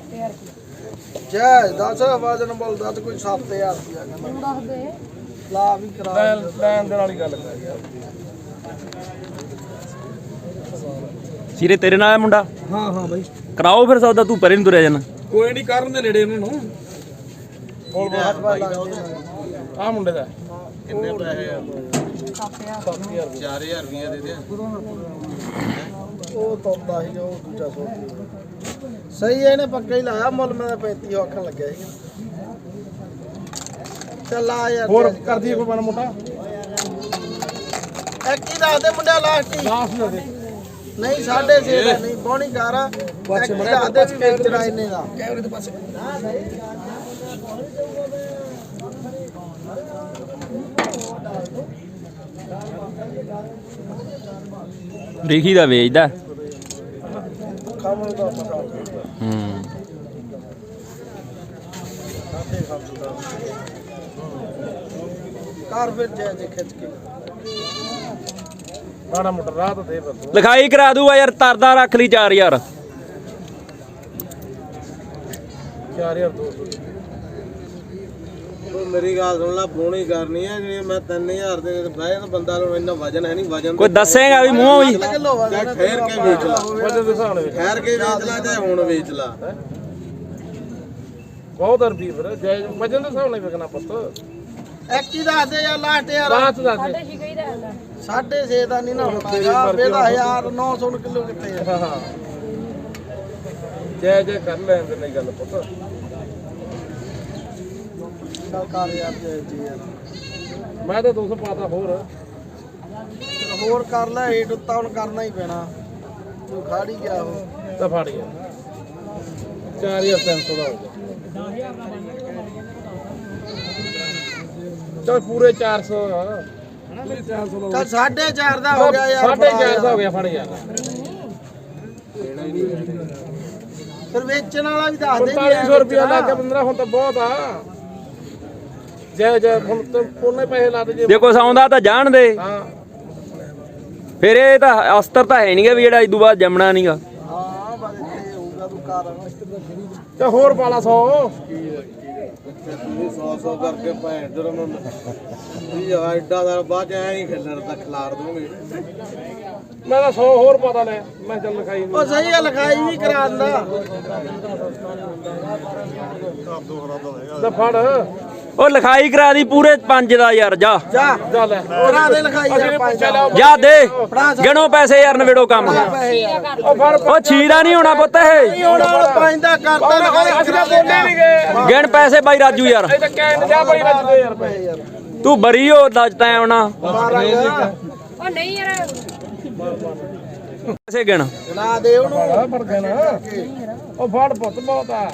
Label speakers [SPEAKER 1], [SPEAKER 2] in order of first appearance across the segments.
[SPEAKER 1] ਜੈ 10 ਵਜਨ ਬੋਲਦਾ ਤੇ ਕੋਈ 7000 ਰੁਪਿਆ ਕਹਿੰਦਾ ਦੱਸ ਦੇ ਲਾ ਵੀ ਕਰਾ ਲੈਣ ਦੇ ਨਾਲ ਹੀ ਗੱਲ ਕਰ ਯਾਰ
[SPEAKER 2] ਸੀਰੇ ਤੇਰੇ ਨਾਲ ਆ ਮੁੰਡਾ
[SPEAKER 1] ਹਾਂ ਹਾਂ ਬਾਈ
[SPEAKER 2] ਕਰਾਓ ਫਿਰ ਸੌਦਾ ਤੂੰ ਪਰੇ ਨੂੰ ਤੁਰਿਆ ਜਾਣਾ
[SPEAKER 1] ਕੋਈ ਨਹੀਂ ਕਰਨ ਦੇ ਨੇੜੇ ਉਹਨਾਂ ਨੂੰ ਆ ਮੁੰਡੇ ਦਾ ਕਿੰਨੇ ਪੈਸੇ ਆ 7000 4000 ਰੁਪਏ ਦੇ ਦੇ ਉਹ ਤੋਂਦਾ ਸੀ ਉਹ ਦੂਜਾ ਸੋ ਸਹੀ ਹੈ ਇਹਨੇ ਪੱਕਾ ਹੀ ਲਾਇਆ ਮੁੱਲ ਮੈਂ 35 ਆਖਣ ਲੱਗਿਆ ਸੀ ਚੱਲ ਆ ਯਾਰ ਹੋਰ ਕਰਦੀ ਕੋਈ ਬਣ ਮੋਟਾ ਇੱਕ ਹੀ ਦੱਸ ਦੇ ਮੁੰਡਿਆ ਲਾਸਟ ਹੀ ਨਹੀਂ 6.5 ਦਾ ਨਹੀਂ ਬੋਣੀ ਕਰ ਇੱਕ ਹੀ ਦੱਸ ਦੇ ਸਪੀਕਰ ਆ ਇਹਨੇ ਦਾ ਕੈਮਰੇ ਦੇ ਪਾਸੇ
[SPEAKER 2] ਰਿਖੀ ਦਾ ਵੇਚਦਾ
[SPEAKER 1] ਖਾਮਲ ਦਾ ਪਤਾ ਕਾਰ ਫਿਰ ਜੇ ਖਿੱਚ ਕੇ ਮਾੜਾ ਮੋਟਾ ਰਾਹ ਤਾਂ ਦੇ ਬੰਦੂ
[SPEAKER 2] ਲਿਖਾਈ ਕਰਾ ਦੂਗਾ ਯਾਰ ਤਰਦਾ ਰੱਖ ਲਈ 4000
[SPEAKER 1] 4200 ਮੇਰੀ ਗੱਲ ਸੁਣ ਲੈ ਫੋਨ ਹੀ ਕਰਨੀ ਹੈ ਜੇ ਮੈਂ 3000 ਦੇ ਬਹਿ ਤਾਂ ਬੰਦਾ ਨੂੰ ਇੰਨਾ ਵਜਨ ਹੈ ਨਹੀਂ ਵਜਨ
[SPEAKER 2] ਕੋਈ ਦੱਸੇਗਾ ਵੀ ਮੂੰਹੋਂ ਹੀ
[SPEAKER 1] ਠਹਿਰ ਕੇ ਵੇਚ ਲਾ ਵਜਨ ਦੇ ਹਿਸਾਬ ਨਾਲ ਠਹਿਰ ਕੇ ਵੇਚ ਲਾ ਚਾਹੇ ਹੁਣ ਵੇਚ ਲਾ ਬਹੁਤ ਰੁਪਏ ਫਿਰ ਵਜਨ ਦੇ ਹਿਸਾਬ ਨਾਲ ਵਿਕਣਾ ਪੁੱਤ ਇੱਕ ਹੀ ਦੱਸ ਦੇ ਯਾਰ ਲਾਸਟ ਯਾਰ ਲਾਸਟ ਦੱਸ ਦੇ 6.5 ਦਾ ਨਹੀਂ ਨਾ ਹੋਣਾ ਯਾਰ ਇਹਦਾ 1900 ਕਿਲੋ ਕਿੱਥੇ ਆ ਹਾਂ ਜੈ ਜੈ ਕਰ ਲੈਂਦੇ ਨਹੀਂ ਗੱਲ ਪੁੱਤ ਚੱਲ ਕਰ ਯਾਰ ਜੀ ਯਾਰ ਮੈਂ ਤਾਂ 200 ਪਾਤਾ ਹੋਰ ਕਰ ਲੈ ਹੀਟ ਉੱਤਾ ਹੁਣ ਕਰਨਾ ਹੀ ਪੈਣਾ ਤੂੰ ਖੜ ਹੀ ਗਿਆ ਉਹ ਤਾਂ ਫੜ ਗਿਆ 4300 ਦਾ ਹੋ ਗਿਆ ਚੱਲ ਪੂਰੇ 400 ਚੱਲ 4.5 ਦਾ ਹੋ ਗਿਆ ਯਾਰ 4.5 ਦਾ ਹੋ ਗਿਆ ਫੜ ਯਾਰ ਫਿਰ ਵੇਚਣ ਵਾਲਾ ਵੀ ਦੱਸ ਦੇ 4500 ਰੁਪਏ ਲੱਗ ਗਿਆ 15 ਹੁਣ ਤਾਂ ਬਹੁਤ ਆ ਜੈ ਜੈ ਹੁਣ ਤਾਂ ਕੋਨੇ ਪੈਸੇ ਲਾ ਦੇ ਜੇ
[SPEAKER 2] ਦੇਖੋ ਸੌਂਦਾ ਤਾਂ ਜਾਣ ਦੇ
[SPEAKER 1] ਹਾਂ
[SPEAKER 2] ਫਿਰ ਇਹ ਤਾਂ ਅਸਤਰ ਤਾਂ ਹੈ ਨਹੀਂਗਾ ਵੀ ਜਿਹੜਾ ਇਦੋਂ ਬਾਅਦ ਜੰਮਣਾ ਨਹੀਂਗਾ
[SPEAKER 1] ਹਾਂ ਬਸ ਇੱਥੇ ਹੋਊਗਾ ਤੂੰ ਕਰ ਤੇ ਹੋਰ ਪਾਲਾ 100 100 ਕਰਕੇ ਭੈਣ ਜਰ ਨੂੰ ਵੀ ਐਡਾ ਦਾ ਬਾਅਦ ਐ ਨਹੀਂ ਖੇਲਣ ਤਾਂ ਖਿਲਾਰ ਦੂੰਗੇ ਮੈਂ ਤਾਂ 100 ਹੋਰ ਪਤਾ ਲੈ ਮੈਂ ਚੱਲ ਲਿਖਾਈ ਉਹ ਸਹੀ ਆ ਲਿਖਾਈ ਵੀ ਕਰਾ ਦਿੰਦਾ ਲੈ ਫੜ
[SPEAKER 2] ਉਹ ਲਿਖਾਈ ਕਰਾ ਦੀ ਪੂਰੇ 5 ਦਾ ਯਾਰ ਜਾ
[SPEAKER 1] ਜਾ ਲੈ ਕਰਾ ਦੇ ਲਿਖਾਈ ਯਾਰ 5
[SPEAKER 2] ਜਾ ਦੇ ਗਿਣੋ ਪੈਸੇ ਯਾਰ ਨਵੇੜੋ ਕੰਮ
[SPEAKER 1] ਉਹ ਫੜ
[SPEAKER 2] ਉਹ 6 ਦਾ ਨਹੀਂ ਹੋਣਾ ਪੁੱਤ ਇਹ
[SPEAKER 1] ਹੁਣ 5 ਦਾ ਕਰਦਾ ਲਿਖਾਈ ਅਸੀਂ ਤਾਂ ਬੋਲੇ ਨਹੀਂ ਗਏ
[SPEAKER 2] ਗਿਣ ਪੈਸੇ ਬਾਈ ਰਾਜੂ ਯਾਰ
[SPEAKER 1] ਇਹ ਤਾਂ ਕਹਿਣ ਜਾ ਬਾਈ ਰੱਜਦੇ ਯਾਰ ਪੈਸੇ ਯਾਰ
[SPEAKER 2] ਤੂੰ ਬਰੀ ਹੋ ਦੱਜ ਤੈਂ ਆਉਣਾ
[SPEAKER 3] ਉਹ ਨਹੀਂ ਯਾਰ
[SPEAKER 2] ਪੈਸੇ ਗਿਣ
[SPEAKER 1] ਲਾ ਦੇ ਉਹਨੂੰ ਫੜ ਕੇ ਨਾ ਉਹ ਫੜ ਪੁੱਤ ਬਹੁਤ ਆ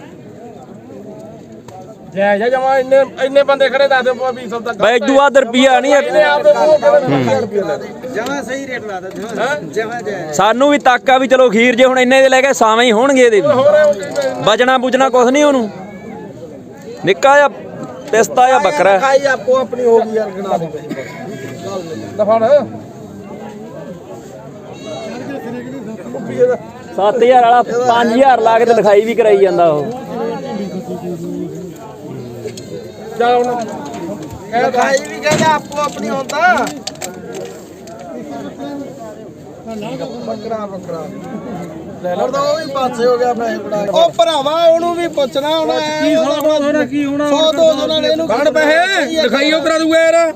[SPEAKER 1] ਜੈ ਜੈ ਜਮਾ ਇੰਨੇ ਬੰਦੇ ਖੜੇ ਦੱਸ ਦੇ ਵੀ ਸੌਦਾ
[SPEAKER 2] ਬਾਈ ਇਦੋਂ ਬਾਅਦ ਰੁਪਿਆ ਨਹੀਂ
[SPEAKER 1] ਇਹਨੇ ਆਪਦੇ ਜਮਾ ਸਹੀ ਰੇਟ ਲਾ ਦੇ ਜਮਾ ਜੈ
[SPEAKER 2] ਸਾਨੂੰ ਵੀ ਤੱਕ ਆ ਵੀ ਚਲੋ ਖੀਰ ਜੇ ਹੁਣ ਇੰਨੇ ਦੇ ਲੈ ਕੇ ਸਾਵੇਂ ਹੀ ਹੋਣਗੇ ਇਹਦੇ ਵੀ ਬਚਣਾ ਬੁਝਣਾ ਕੁਛ ਨਹੀਂ ਉਹਨੂੰ ਨਿੱਕਾ ਜਿਹਾ ਪਿਸਤਾ ਜਾਂ ਬੱਕਰਾ
[SPEAKER 1] ਖਾਈ ਆਪੋ ਆਪਣੀ ਹੋ ਗਈ ਯਾਰ ਗਣਾ ਦੇ ਪੈਸੇ ਦਫੜ
[SPEAKER 2] 7000 ਵਾਲਾ 5000 ਲਾ ਕੇ ਤੇ ਲਿਖਾਈ ਵੀ ਕਰਾਈ ਜਾਂਦਾ ਉਹ
[SPEAKER 1] ਜਾ ਹੁਣ ਲਿਖਾਈ ਵੀ ਕਹਿੰਦਾ ਆਪੋ ਆਪਣੀ ਹੁੰਦਾ ਬੱਕਰਾ ਲੈ ਲਓ ਤਾਂ ਉਹ ਵੀ ਪਾਸੇ ਹੋ ਗਿਆ ਪੈਸੇ ਬੜਾ ਉਹ ਭਰਾਵਾ ਉਹਨੂੰ ਵੀ ਪੁੱਛਣਾ ਹੁਣ ਕੀ ਹੋਣਾ ਕੀ ਹੋਣਾ 100 200 ਨਾਲ ਇਹਨੂੰ ਕੱਢ ਪੈਸੇ ਲਿਖਾਈ ਉਹ ਕਰਾ ਦੂਗਾ ਯਾਰ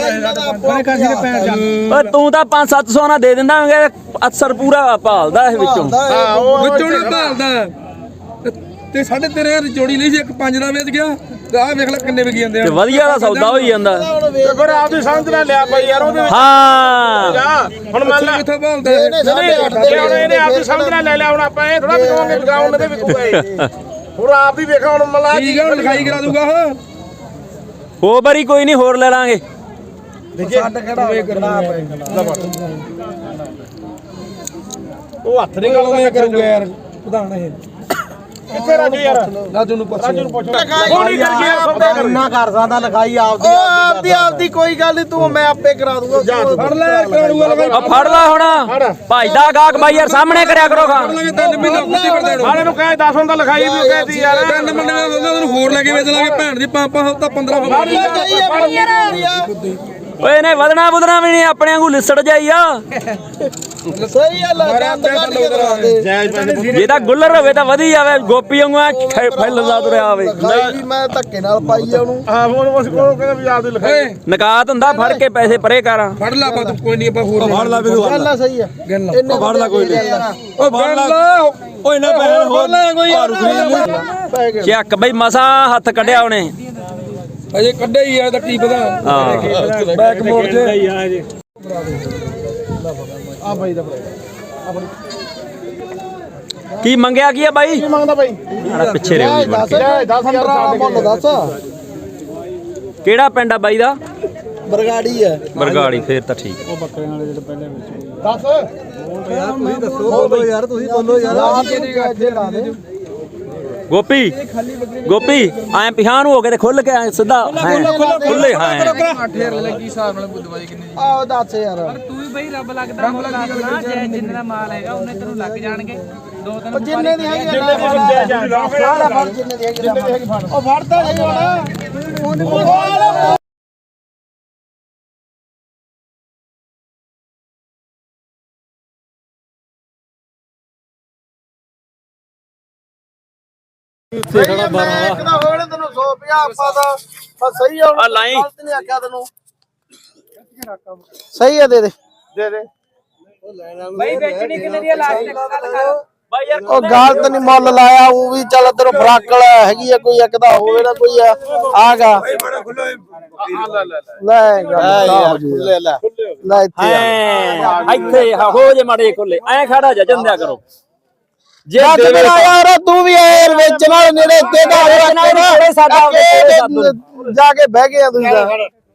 [SPEAKER 2] ਓਏ ਤੂੰ ਤਾਂ 5-700 ਨਾਲ ਦੇ ਦਿੰਦਾਂਗੇ ਅਕਸਰ ਪੂਰਾ ਭਾਲਦਾ ਇਹ ਵਿੱਚੋਂ
[SPEAKER 4] ਵਿੱਚੋਂ ਨਹੀਂ ਭਾਲਦਾ ਤੇ 3500 ਜੋੜੀ ਲਈ ਸੀ ਇੱਕ 5 ਦਾ ਵੇਚ ਗਿਆ ਆਹ ਵੇਖ ਲੈ ਕਿੰਨੇ ਵਿਕ ਜਾਂਦੇ ਆ
[SPEAKER 2] ਤੇ ਵਧੀਆ ਦਾ ਸੌਦਾ ਹੋਈ ਜਾਂਦਾ
[SPEAKER 1] ਫਿਰ ਆਪਦੀ ਸਮਝ ਨਾਲ ਲਿਆ ਬਾਈ ਯਾਰ ਉਹਦੇ
[SPEAKER 2] ਹਾਂ
[SPEAKER 1] ਹੁਣ ਮੰਨ ਲੈ
[SPEAKER 4] ਕਿੱਥੋਂ ਭਾਲਦਾ
[SPEAKER 1] ਇਹਨੇ ਆਪਦੀ ਸਮਝ ਨਾਲ ਲੈ ਲਿਆ ਹੁਣ ਆਪਾਂ ਇਹ ਥੋੜਾ ਵਿਕਾਉਂਗੇ ਵਿਕਾਉਣ ਦੇ ਵਿਕੂਗਾ ਇਹ ਹੁਣ ਆਪ ਹੀ ਵੇਖਾ ਹੁਣ ਮਲਾ
[SPEAKER 4] ਠੀਕ ਹੈ ਲਿਖਾਈ ਕਰਾ ਦੂਗਾ ਉਹ
[SPEAKER 2] ਹੋ ਬਰੀ ਕੋਈ ਨਹੀਂ ਹੋਰ ਲੈ ਲਾਂਗੇ
[SPEAKER 1] ਛੱਡ ਖੜਾ ਉਹ ਹੱਥ ਨਹੀਂ ਗਾਉਂਦਾ ਕਰੂਗਾ ਯਾਰ ਪ੍ਰਧਾਨ ਇਹ
[SPEAKER 5] ਕਿੱਥੇ ਰਾਜੂ ਯਾਰ
[SPEAKER 4] ਰਾਜੂ ਨੂੰ ਪੁੱਛ
[SPEAKER 5] ਹੋਣੀ ਕਰ ਗਿਆ ਸੌਦਾ ਕਰ
[SPEAKER 1] ਇੰਨਾ ਕਰ ਸਕਦਾ ਲਿਖਾਈ ਆਪਦੀ ਕੋਈ ਗੱਲ ਨਹੀਂ ਤੂੰ ਮੈਂ ਆਪੇ ਕਰਾ ਦੂੰਗਾ
[SPEAKER 4] ਫੜ ਲੈ ਕਰਾੜੂਆ ਲਗਾ
[SPEAKER 2] ਆ ਫੜ ਲੈ ਹੁਣ ਭਜਦਾ ਗਾਹਕ ਬਾਈ ਯਾਰ ਸਾਹਮਣੇ ਕਰਿਆ ਕਰੋ ਖਾਂ
[SPEAKER 4] ਲਗੇ 3 ਮਹੀਨੇ ਕੁੱਤੀ ਕਰ ਦੇਣੋ
[SPEAKER 5] ਵਾਲੇ ਨੂੰ ਕਹੇ 10 ਹੁੰਦਾ ਲਿਖਾਈ ਵੀ ਕਹਿਦੀ ਯਾਰ
[SPEAKER 4] 3 ਮਹੀਨੇ ਉਹਨਾਂ ਨੂੰ ਹੋਰ ਲੈ ਕੇ ਵੇਚ ਲਾਂਗੇ ਭੈਣ ਦੀ 5 ਹਫ਼ਤਾ 15
[SPEAKER 2] ਓਏ ਇਹਨੇ ਵਧਣਾ ਬੁਧਣਾ ਵੀ ਨਹੀਂ ਆਪਣੇ ਵਾਂਗੂ ਲਿਸੜ ਜਾਈ ਆ
[SPEAKER 1] ਸਹੀ ਆ ਲਗੰਦ ਕੱਢ ਕੇ ਦਵਾ ਦੇ
[SPEAKER 2] ਜੇ ਤਾਂ ਗੁੱਲਰ ਹੋਵੇ ਤਾਂ ਵਧੀ ਜਾਵੇ ਗੋਪੀ ਵਾਂਗੂ ਫੈਲਦਾ ਤੁਰਿਆ ਆਵੇ
[SPEAKER 1] ਲਿਖਾਈ ਵੀ ਮੈਂ ਧੱਕੇ ਨਾਲ ਪਾਈ ਆ ਉਹਨੂੰ
[SPEAKER 5] ਹਾਂ ਹੁਣ ਉਸ ਕੋਲ ਕਹਿੰਦਾ ਵੀ ਆਪਦੀ ਲਿਖਾਈ
[SPEAKER 2] ਨਕਾਤ ਹੁੰਦਾ ਫੜ ਕੇ ਪੈਸੇ ਪਰੇ ਕਰਾਂ
[SPEAKER 4] ਫੜ ਲਾ ਬਾ ਤੂੰ ਕੋਈ ਨਹੀਂ ਆਪਾਂ ਹੋਰ ਫੜ ਲਾ
[SPEAKER 1] ਗੱਲ ਆ ਸਹੀ ਆ
[SPEAKER 4] ਗੱਲ
[SPEAKER 1] ਫੜ ਲੈ ਕੋਈ ਨਹੀਂ
[SPEAKER 4] ਓ ਫੜ ਲਾ ਓਏ ਨਾ ਭੈਣ ਹੋਰ ਲੈ ਕੋਈ
[SPEAKER 2] ਚੱਕ ਬਈ ਮਸਾ ਹੱਥ ਕੱਢਿਆ ਉਹਨੇ
[SPEAKER 4] ਅਜੇ ਕੱਢਿਆ ਹੀ ਆ ਤਾਂ ਕੀ ਪਤਾ
[SPEAKER 2] ਹਾਂ
[SPEAKER 4] ਬੈਕ ਮੋੜ ਤੇ
[SPEAKER 1] ਆ ਬਾਈ ਦਾ
[SPEAKER 2] ਕੀ ਮੰਗਿਆ ਕੀ ਆ ਬਾਈ
[SPEAKER 5] ਕੀ ਮੰਗਦਾ ਬਾਈ
[SPEAKER 2] ਆੜਾ ਪਿੱਛੇ ਰਹਿ ਗਈ ਬਣ ਕੇ।
[SPEAKER 1] 10 ਮੁੱਲ ਦੱਸ
[SPEAKER 2] ਕਿਹੜਾ ਪਿੰਡ ਆ ਬਾਈ ਦਾ
[SPEAKER 1] ਬਰਗਾੜੀ ਆ
[SPEAKER 2] ਬਰਗਾੜੀ ਫੇਰ ਤਾਂ ਠੀਕ ਆ।
[SPEAKER 5] 10
[SPEAKER 1] ਬੋਲੋ ਯਾਰ ਤੁਸੀਂ ਬੋਲੋ ਯਾਰ ਅੱਜੇ ਲਾ ਦੇ
[SPEAKER 2] ਗੋਪੀ ਗੋਪੀ ਐ ਪਿਛਾਂ ਨੂੰ ਹੋ ਕੇ ਤੇ ਖੁੱਲ ਕੇ ਐ ਸਿੱਧਾ ਖੁੱਲੇ ਹਾਂ
[SPEAKER 1] ਆਹ ਦੱਸ ਯਾਰ
[SPEAKER 3] ਤੂੰ ਵੀ ਬਈ ਰੱਬ ਲੱਗਦਾ ਮੁੱਲ ਲੱਗਣਾ ਜੇ ਜਿੰਨੇ ਦਾ ਮਾਲ ਹੈਗਾ ਉਹਨੇ ਤੈਨੂੰ ਲੱਗ ਜਾਣਗੇ 2-3
[SPEAKER 1] ਜਿੰਨੇ ਦੀ ਹੈਗੀ ਸਾਰਾ ਫੜ ਜਿੰਨੇ ਦੀ ਹੈਗੀ ਉਹ ਫੜਦਾ ਨਹੀਂ ਹੁਣ ਇੱਕ ਤਾਂ ਹੋਣੇ ਤੈਨੂੰ 150 ਆਪਾਂ ਦਾ ਬਸ ਸਹੀ ਆ
[SPEAKER 2] ਆ ਲਾਈ।
[SPEAKER 1] ਗਲਤ ਨਹੀਂ ਆਖਿਆ ਤੈਨੂੰ ਸਹੀ ਆ ਦੇ ਦੇ
[SPEAKER 3] ਬਈ ਵੇਚਣੀ ਕਿੰਨੇ ਦੀ ਲਾਸਟ ਗੱਲ ਕਰ
[SPEAKER 2] ਬਾਈ ਯਾਰ
[SPEAKER 1] ਉਹ ਗਲਤ ਨਹੀਂ ਮੁੱਲ ਲਾਇਆ ਉਹ ਵੀ ਚੱਲ ਤੇਰੇ ਫਰਾਕਲ ਹੈਗੀ ਆ ਕੋਈ ਇੱਕ ਦਾ ਹੋਵੇ ਨਾ ਕੋਈ ਆਗਾ ਲੈ ਲੈ ਲੈ ਇੱਥੇ
[SPEAKER 2] ਇੱਥੇ ਹੋ ਜੇ ਮਾੜੇ ਖੁੱਲੇ ਐ ਖੜਾ ਜਾ ਜੰਦਿਆ ਕਰੋ ਜੇ
[SPEAKER 1] ਦੇਵੇ ਯਾਰ ਤੂੰ ਵੀ ਐ ਵੇਚਣ ਵਾਲੇ ਨੇੜੇ ਤੇ ਦਾ
[SPEAKER 2] ਸਾਡਾ
[SPEAKER 1] ਜਾ ਕੇ ਬਹਿ ਗਿਆ ਤੁਸੀਂ ਤਾਂ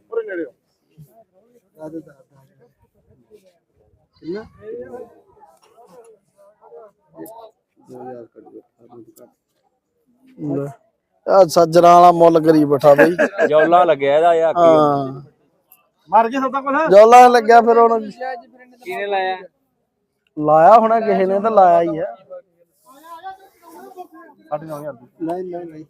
[SPEAKER 1] ਆ ਸੱਜਣਾ ਵਾਲਾ ਮੁੱਲ ਕਰੀ ਬੈਠਾ ਬਈ
[SPEAKER 2] ਜੌਲਾ ਲੱਗਿਆ ਇਹਦਾ ਯਾਰ
[SPEAKER 1] ਹਾਂ
[SPEAKER 5] ਮਰ ਗਿਆ ਸੌਦਾ ਕੋਲ
[SPEAKER 1] ਜੋਲਾ ਲੱਗਿਆ ਫਿਰ ਹੁਣ
[SPEAKER 3] ਕਿਹਨੇ ਲਾਇਆ
[SPEAKER 1] ਲਾਇਆ ਹੋਣਾ ਕਿਸੇ ਨੇ ਤਾਂ ਲਾਇਆ ਹੀ ਆ 9.5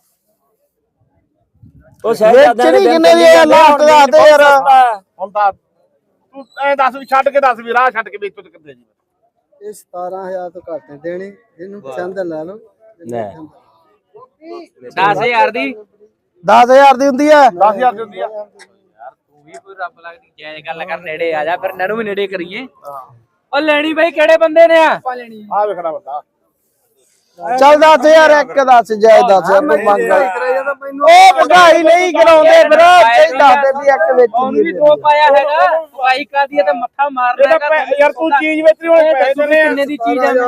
[SPEAKER 2] ਉਹ ਸ਼ਹਿਜ਼ਾਦਿਆਂ ਦੇ
[SPEAKER 1] ਵੇਚਣੀ ਕਿੰਨੇ ਦੀ ਆ ਲਾਸਟ ਦੱਸ ਦੇ ਯਾਰ
[SPEAKER 5] ਹੁਣ ਤਾਂ ਤੂੰ ਐ ਦੱਸ ਵੀ ਛੱਡ ਕੇ ਦੱਸ ਵੀ ਰਾਹ ਛੱਡ ਕੇ ਵੇਚੋ ਤੇ ਕਿੱਥੇ ਜੀ
[SPEAKER 1] ਇਹ 17000 ਤੋਂ ਘੱਟ ਦੇਣੇ ਇਹਨੂੰ ਪਸੰਦ ਲੈ ਲਓ
[SPEAKER 2] ਲੈ
[SPEAKER 3] 10000 ਦੀ
[SPEAKER 1] 10000 ਦੀ ਹੁੰਦੀ ਆ
[SPEAKER 5] 10000 ਦੀ ਹੁੰਦੀ ਆ
[SPEAKER 3] ਤੂੰ ਵੀ ਕੋਈ ਰੱਬ ਲੱਗਦੀ ਜਾਇਜ਼ ਗੱਲ ਕਰ ਨੇੜੇ ਆ ਜਾ ਫਿਰ ਨਨੂੰ ਵੀ ਨੇੜੇ ਕਰੀਏ ਉਹ ਲੈਣੀ ਬਈ ਕਿਹੜੇ ਬੰਦੇ ਨੇ ਆ
[SPEAKER 5] ਆ ਵੇਖਣਾ ਬੰਦਾ
[SPEAKER 1] ਚੱਲ 10000 ਇੱਕ ਦੱਸ ਜਾਇ 10000 ਨੂੰ ਮੰਗ ਉਹ ਭਗਾਈ ਨਹੀਂ ਕਰਾਉਂਦੇ ਫਿਰ ਸਹੀ ਦੱਸਦੇ ਵੀ ਇੱਕ ਵਿੱਚ
[SPEAKER 3] ਉਹਨੂੰ ਵੀ ਦੋ ਪਾਇਆ ਹੈਗਾ ਦਵਾਈ ਕਾਦੀ ਤੇ ਮੱਥਾ ਮਾਰਨਾ ਹੈਗਾ
[SPEAKER 5] ਯਾਰ ਤੂੰ ਚੀਜ਼ ਵੇਚਣੀ ਹੁਣ ਪੈਸੇ ਦੇਣੇ ਆ
[SPEAKER 3] ਕਿੰਨੇ ਦੀ ਚੀਜ਼ ਆ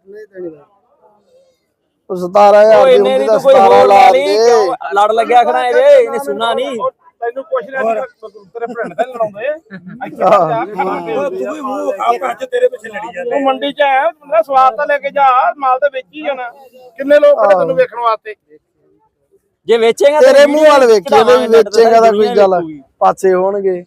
[SPEAKER 1] ਉਹ 17000
[SPEAKER 2] ਓਏ
[SPEAKER 1] ਦੀ
[SPEAKER 2] ਇਹਨੇ
[SPEAKER 1] ਹੁੰਦੀ
[SPEAKER 2] ਨਹੀਂ
[SPEAKER 1] ਤਾਂ
[SPEAKER 2] ਕੋਈ
[SPEAKER 1] 17
[SPEAKER 2] ਹੋਰ
[SPEAKER 1] ਲਾ
[SPEAKER 2] ਲਾ
[SPEAKER 1] ਦੇ
[SPEAKER 2] ਲਈ ਲੜ ਲੱਗਿਆ ਖੜਾ ਇਹਦੇ ਇਹਨੇ ਸੁਣਨਾ ਨਹੀਂ
[SPEAKER 5] ਤੈਨੂੰ ਕੁਛ ਨਹੀਂ ਤੇਰੇ ਭੈਣ ਦਾ ਲੜਾਉਂਦੇ ਤੂੰ ਵੀ ਮੂੰਹ ਆ ਅੱਜ ਤੇਰੇ ਪਿੱਛੇ ਲੜੀ ਜਾਂਦੇ ਤੂੰ ਮੰਡੀ 'ਚ ਆਇਆ ਬੰਦਾ ਸਵਾਦ ਤਾਂ ਲੈ ਕੇ ਜਾ ਮਾਲ ਤਾਂ ਵੇਚੀ ਜਾਣਾ ਕਿੰਨੇ ਲੋਕ ਖੜੇ ਤੈਨੂੰ ਵੇਖਣ ਵਾਸਤੇ
[SPEAKER 2] ਜੇ ਵੇਚੇਗਾ
[SPEAKER 1] ਤੇਰੇ ਮੂੰਹ ਵਾਲ ਵੇਖੀ ਇਹਦੇ ਵੀ ਵੇਚੇਗਾ ਤਾਂ ਕੋਈ ਗੱਲ ਪਾਸੇ ਹੋਣਗੇ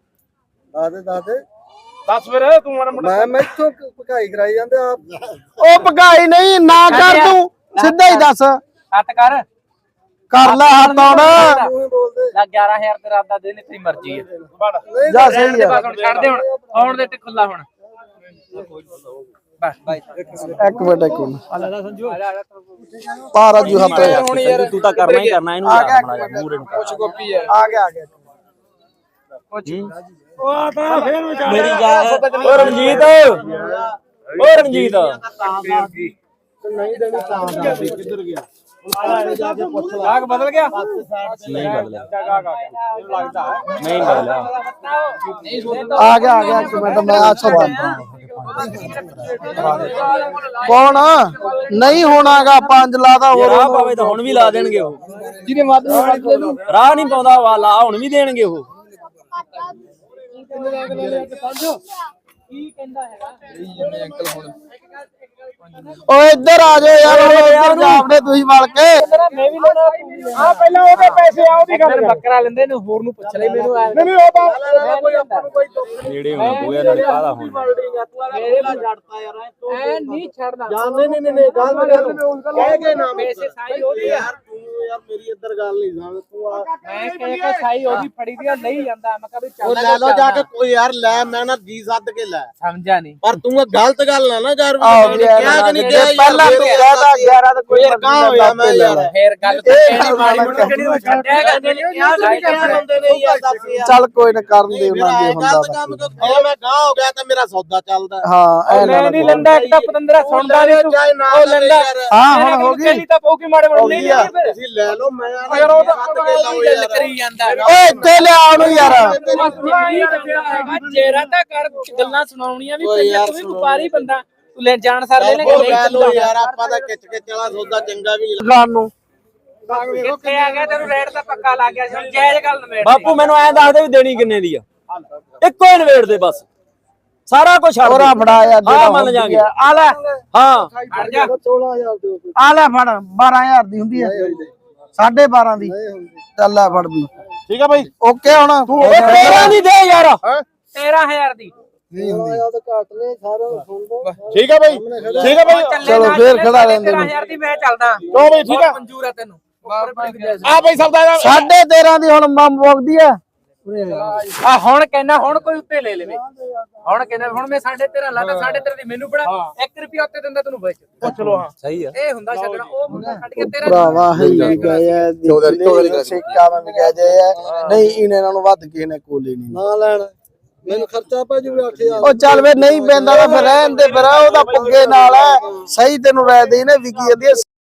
[SPEAKER 5] ਦੱਸ ਫਿਰ ਤੂੰ ਮਾੜਾ ਮੋਟਾ
[SPEAKER 1] ਮੈਂ ਇੱਥੋਂ ਭਗਾਈ ਕਰਾਈ ਜਾਂਦੇ ਆਪ ਉਹ ਭਗਾਈ ਨਹੀਂ ਨਾ ਕਰ ਤੂੰ ਸਿੱਧਾ ਹੀ ਦੱਸ
[SPEAKER 3] ਹੱਥ ਕਰ
[SPEAKER 1] ਲੈ ਹੱਥ ਹੁਣ
[SPEAKER 3] ਲੱਗ 11000 ਤੇ ਰਾਤ ਦਾ ਦੇ ਤੇਰੀ ਮਰਜ਼ੀ ਹੈ
[SPEAKER 1] ਜਾ ਸਹੀ ਆ
[SPEAKER 3] ਛੱਡ ਦੇ ਹੁਣ ਆਉਣ ਦੇ ਤੇ ਖੁੱਲਾ ਹੁਣ ਬਸ ਬਾਈ
[SPEAKER 1] ਇੱਕ ਮਿੰਟ ਪਾ ਰਾਜੂ ਹੱਥ
[SPEAKER 2] ਤੂੰ ਤਾਂ ਕਰਨਾ ਹੀ ਕਰਨਾ ਇਹਨੂੰ ਮੂਰੇ ਨੂੰ
[SPEAKER 1] ਆ ਗਿਆ
[SPEAKER 2] ਮੇਰੀ ਗੱਲ ਓ ਰਣਜੀਤ ਓ ਰਣਜੀਤ
[SPEAKER 1] ਨਹੀਂ ਦੇਣੀ ਤਾਂ ਕਿੱਧਰ ਗਿਆ
[SPEAKER 3] ਆਗ ਬਦਲ ਗਿਆ
[SPEAKER 2] ਨਹੀਂ ਬਦਲਿਆ ਨਹੀਂ ਬਦਲਿਆ
[SPEAKER 1] ਆ ਗਿਆ ਇੱਕ ਮਿੰਟ ਮੈਂ ਆ ਸੌਦਾ ਕੌਣ ਨਹੀਂ ਹੋਣਾਗਾ 5 ਲਾਦਾ ਹੋਰ
[SPEAKER 2] ਰਾਹ ਪਾਵੇ ਤਾਂ ਹੁਣ ਵੀ ਲਾ ਦੇਣਗੇ ਉਹ
[SPEAKER 1] ਜਿਹਨੇ ਵੱਧ
[SPEAKER 2] ਰਾਹ ਨਹੀਂ ਪਾਉਂਦਾ ਵਾਲਾ ਹੁਣ ਵੀ ਦੇਣਗੇ ਉਹ
[SPEAKER 3] ਕੀ ਕਹਿੰਦਾ ਹੈਗਾ
[SPEAKER 1] ਓ ਇੱਧਰ ਆ ਜਾਓ ਯਾਰ ਇੱਧਰ ਜਾਵੜੇ ਰਲ ਕੇ
[SPEAKER 3] ਮੈਂ ਵੀ ਲੈਣਾ
[SPEAKER 5] ਆ ਪਹਿਲਾਂ ਉਹਦੇ ਪੈਸੇ ਆ ਉਹਦੀ ਗੱਲ
[SPEAKER 3] ਬੱਕਰਾ ਲੈਂਦੇ ਨੇ ਹੋਰ ਨੂੰ ਪੁੱਛ ਲੈ ਮੈਨੂੰ
[SPEAKER 5] ਨਹੀਂ ਉਹ ਤਾਂ ਕੋਈ ਆਪਾਂ ਨੂੰ ਕੋਈ ਦੁੱਖ
[SPEAKER 2] ਨੇੜੇ ਹੋਣਾ ਪਊਗਾ ਨਾਲ ਕਾਹਦਾ ਹੁਣ
[SPEAKER 3] ਮੇਰੇ ਨਾਲ ਛੱਡਤਾ ਯਾਰ ਐ ਨਹੀਂ ਛੱਡਦਾ
[SPEAKER 5] ਨਹੀਂ ਗੱਲ ਕਹਿ ਕੇ ਨਾ
[SPEAKER 3] ਪੈਸੇ ਸਾਈ ਉਹਦੀ ਆ
[SPEAKER 1] ਯਾਰ ਮੇਰੀ ਇੱਧਰ ਗੱਲ ਨਹੀਂ ਸਮਝ ਤੂੰ ਆ
[SPEAKER 3] ਮੈਂ ਕਹਿ ਕੇ ਸਾਈ ਉਹਦੀ ਫੜੀ ਦੀ ਨਹੀਂ ਜਾਂਦਾ ਮੈਂ ਕਹਾਂ ਵੀ
[SPEAKER 1] ਉਹ ਲੈ ਲਓ ਜਾ ਕੇ ਕੋਈ ਯਾਰ ਲੈ ਮੈਂ ਨਾ ਜੀ ਸੱਦ ਕੇ ਲੈ
[SPEAKER 3] ਸਮਝਾ ਨਹੀਂ
[SPEAKER 1] ਪਰ ਤੂੰ ਇਹ ਗਲਤ ਗੱਲ ਨਾ ਕਰ
[SPEAKER 2] ਕਿਹਾ
[SPEAKER 1] ਕਿ ਨਹੀਂ ਕਿਹਾ ਪਹਿਲਾਂ ਤੂੰ ਕਹਦਾ 11 ਤਾਂ ਕੋਈ ਕਾ ਹੋਇਆ ਮੈਂ ਯਾਰ
[SPEAKER 3] ਫੇਰ ਗੱਲ ਤਾਂ ਕਹਿਣੀ ਮਾੜੀ ਮੋਟੀ ਕਿਹੜੀ ਨੂੰ ਛੱਡਿਆ ਕਰਦੇ ਨੇ ਕਿਹਾ
[SPEAKER 1] ਹੁੰਦੇ ਨੇ ਯਾਰ ਦੱਸ ਯਾਰ ਚੱਲ ਕੋਈ ਨਾ ਕਰਨ ਦੇ ਉਹਨਾਂ ਦੇ ਹੁੰਦਾ ਕੰਮ ਕਿਉਂ ਮੈਂ ਗਾਂ ਹੋ ਗਿਆ ਤਾਂ ਮੇਰਾ ਸੌਦਾ ਚੱਲਦਾ ਹਾਂ ਐ
[SPEAKER 3] ਮੈਂ ਨਹੀਂ ਲੰਦਾ ਇੱਕ ਤਾਂ ਪਤੰਦਰਾ ਸੁਣਦਾ ਨਹੀਂ ਤੂੰ ਉਹ ਲੰਦਾ
[SPEAKER 1] ਹਾਂ ਹੁਣ ਹੋ ਗਈ
[SPEAKER 3] ਪਹਿਲੀ ਤਾਂ ਪਊਗੀ ਮਾੜੇ ਮੋਟੇ ਨਹੀਂ ਫਿਰ
[SPEAKER 1] ਤੁਸੀਂ ਲੈ ਲਓ ਮੈਂ ਯਾਰ ਉਹ ਤਾਂ
[SPEAKER 3] ਗੱਲ ਕਰੀ ਜਾਂਦਾ
[SPEAKER 1] ਓਏ ਇੱਥੇ ਲਿਆ ਉਹਨੂੰ ਯਾਰ
[SPEAKER 3] ਚਿਹਰਾ ਤਾਂ ਕਰ ਗੱਲਾਂ ਸੁਣਾਉਣੀਆਂ ਵੀ ਪਈਆਂ ਤੂੰ ਵੀ ਵਪਾਰੀ ਬੰਦਾ ਤੂੰ ਲੈ ਜਾਣ ਸਰ ਲੈ
[SPEAKER 1] ਲੈ ਲਓ ਯਾਰ ਆਪਾਂ ਤਾਂ ਖਿੱਚ ਕੇ ਚਲਾ ਸੌਦਾ ਚੰਗਾ ਵੀ ਖਾਣ ਨੂੰ
[SPEAKER 3] ਕਿੱਥੇ ਆ ਗਿਆ ਤੈਨੂੰ ਰੇਟ ਤਾਂ ਪੱਕਾ ਲੱਗ ਗਿਆ ਸੀ ਜਾਇਜ਼ ਗੱਲ ਨਵੇੜ
[SPEAKER 2] ਬਾਪੂ ਮੈਨੂੰ ਐਂ ਦੱਸ ਦੇ ਵੀ ਦੇਣੀ ਕਿੰਨੇ ਦੀ ਆ ਇੱਕੋ ਹੀ ਨਵੇੜ ਦੇ ਬਸ ਸਾਰਾ ਕੁਝ ਛੱਡ
[SPEAKER 1] ਹੋਰਾ ਫੜਾ ਯਾਰ
[SPEAKER 2] ਹਾਂ ਮੰਨ ਜਾਗੇ
[SPEAKER 1] ਆ ਲੈ
[SPEAKER 2] ਹਾਂ
[SPEAKER 3] ਹਟ ਜਾ
[SPEAKER 1] 16000 ਆ ਲੈ ਫੜ 12000 ਦੀ ਹੁੰਦੀ ਹੈ 12.5 ਦੀ ਚੱਲ ਲੈ ਫੜ ਵੀ
[SPEAKER 5] ਠੀਕ ਆ ਬਾਈ
[SPEAKER 1] ਓਕੇ ਹੁਣ
[SPEAKER 2] 13 ਦੀ ਦੇ ਯਾਰ
[SPEAKER 3] 13000 ਦੀ
[SPEAKER 5] ਠੀਕ ਆ ਬਾਈ ਠੀਕ ਆ ਬਾਈ
[SPEAKER 1] ਚਲੋ ਫੇਰ ਖੜਾ ਲੈਂਦੇ
[SPEAKER 3] 13000 ਦੀ ਮੈਂ ਚੱਲਦਾ
[SPEAKER 5] ਲੋ ਬਾਈ ਠੀਕ ਆ
[SPEAKER 3] ਮਨਜ਼ੂਰ ਆ ਤੈਨੂੰ
[SPEAKER 5] ਆ ਬਾਈ ਸੌਦਾ ਦਾ
[SPEAKER 1] 13.5 ਦੀ ਹੁਣ ਮੰਮ ਮੁੱਕਦੀ ਆ
[SPEAKER 3] ਆ ਹੁਣ ਕਹਿਣਾ ਹੁਣ ਕੋਈ ਉੱਤੇ ਲੈ ਲਵੇ ਹੁਣ ਕਹਿੰਦਾ ਹੁਣ ਮੈਂ 13.5 ਲਾਦਾ 13.5 ਦੀ ਮੈਨੂੰ ਬੜਾ 1 ਰੁਪਿਆ ਉੱਤੇ ਦਿੰਦਾ ਤੈਨੂੰ ਵੇਚ
[SPEAKER 5] ਪੁੱਛ ਲੋ ਹਾਂ
[SPEAKER 2] ਸਹੀ ਆ
[SPEAKER 3] ਇਹ ਹੁੰਦਾ ਛੱਡਣਾ ਉਹ ਮੁੰਡਾ ਛੱਡ ਕੇ 13
[SPEAKER 1] ਭਰਾਵਾ ਹੈ ਗਏ ਸਿੱਕਾ ਮੈਂ ਕਹਿ ਜਾਏ ਨਹੀਂ ਇਹਨਾਂ ਨੂੰ ਵੱਧ ਕਿਸੇ ਨੇ ਕੋਲੇ ਨਹੀਂ ਨਾ ਲੈਣ ਮੈਨੂੰ ਖਰਚਾ ਪੈ ਜੂ 8000 ਉਹ ਚੱਲ ਵੇ ਨਹੀਂ ਪੈਂਦਾ ਤਾਂ ਫਿਰ ਰਹਿਣ ਦੇ ਫਿਰ ਉਹਦਾ ਪੁੱਗੇ ਨਾਲ ਸਹੀ ਤੈਨੂੰ ਰਾਇ ਦੇ ਨੇ ਵਿਕੀ ਜਾਂਦੀ